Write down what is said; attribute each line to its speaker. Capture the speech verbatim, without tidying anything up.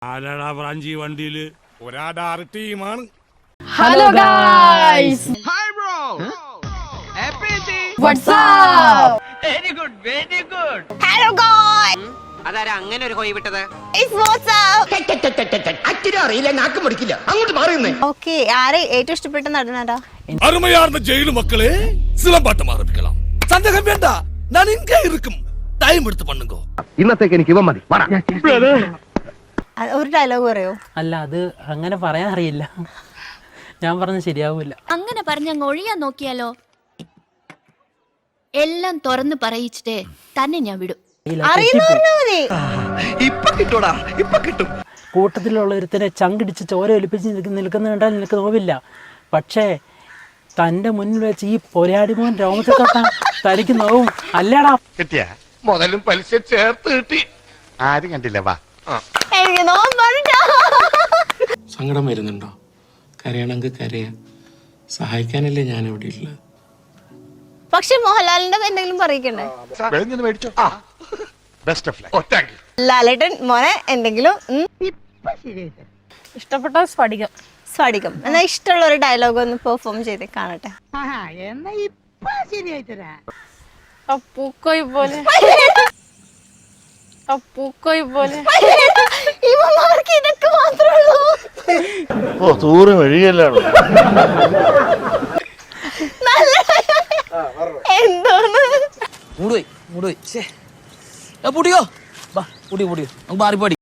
Speaker 1: ആരാടാ ബ്രാഞ്ചി വണ്ടിയില് ഒരാടാറ് ടീമാണ്.
Speaker 2: Hello guys,
Speaker 3: Hi bro.
Speaker 2: WhatsApp.
Speaker 3: Very good, very good.
Speaker 2: Hello guys,
Speaker 4: അതാരാ അങ്ങനെ ഒരു കോയി വിട്ടത്?
Speaker 2: It's WhatsApp.
Speaker 5: അച്ഛനും അറിയില്ല, നാക്കും പഠിക്കില്ല, അങ്ങോട്ട് മാറുന്നേ.
Speaker 2: ഓക്കേ, ആരെ ഏറ്റവും ഇഷ്ടപ്പെട്ട നടനാടാ?
Speaker 1: அருமையார்ந்த ஜெயிலு மக்களே, சிலம்பாட்டம் ஆரம்பிக்கலாம். சந்தேகம் வேண்டாம், நான் இங்கே இருக்கும். டைம் எடுத்து பண்ணுங்க.
Speaker 5: ഇന്നത്തേക്ക് എനിക്ക് ഇവ മതി.
Speaker 2: ഒരു ഡയലോഗ് പറയോ?
Speaker 6: അല്ല, അത് അങ്ങനെ പറയാൻ അറിയില്ല. ഞാൻ പറഞ്ഞ ശരിയാവൂല.
Speaker 7: അങ്ങനെ പറഞ്ഞങ്ങ് ഒഴിയാൻ നോക്കിയാലോ? എല്ലാം തുറന്ന് പറയിച്ചിട്ടേ തന്നെ ഞാൻ വിടും.
Speaker 6: കൂട്ടത്തിലുള്ള ഒരുത്തനെ ചങ്കിടിച്ച് ചോര ഒലിപ്പിച്ച് നിൽക്കുന്ന കണ്ടാൽ നിനക്ക് നോവില്ല. പക്ഷേ തന്റെ മുന്നിൽ വെച്ച് ഈ പൊരാടി മോൻ രോമത്തെ തൊട്ടാ തനിക്ക് നോവും. അല്ലടാ,
Speaker 8: കിട്ടിയ മുതലും പലിശ ചേർത്ത് കിട്ടി. ആരും കണ്ടില്ല. വാ,
Speaker 2: എനിക്ക് നോമ്പുണ്ടോ?
Speaker 9: സങ്കടം വരുന്നുണ്ടോ? കരയണമെങ്കിൽ കരയാ. സഹായിക്കാനല്ലേ ഞാൻ ഇവിടെ ഉള്ളത്.
Speaker 2: പക്ഷെ മോഹൻലാലിന്റെ എന്തെങ്കിലും പറയിക്കണ്ടേ?
Speaker 8: മേടിച്ചോ. Best of luck. Thank you.
Speaker 2: ലാലേട്ടൻ മോനെ എന്തെങ്കിലും
Speaker 10: ഇഷ്ടപ്പെട്ട സ്ഫടികം.
Speaker 2: സ്ഫടികം എന്നാ ഇഷ്ടമുള്ള ഒരു ഡയലോഗ് ഒന്ന് പെർഫോം ചെയ്ത് കാണട്ടെ.
Speaker 10: പൂക്കോയി പോലെ പൂക്കോയി പോലെ
Speaker 2: ഇവന്മാർക്ക് ഇതൊക്കെ മാത്രമേ ഉള്ളൂ.
Speaker 8: ഓ, തൂറ് വഴിയല്ലാണ്.
Speaker 2: എന്തോന്ന്
Speaker 4: മൂടുപോയി മൂടുപോയി. പൊടിയോ, പൊടിയോ പൊടിയോ, നമുക്ക് മാറിപ്പോടി.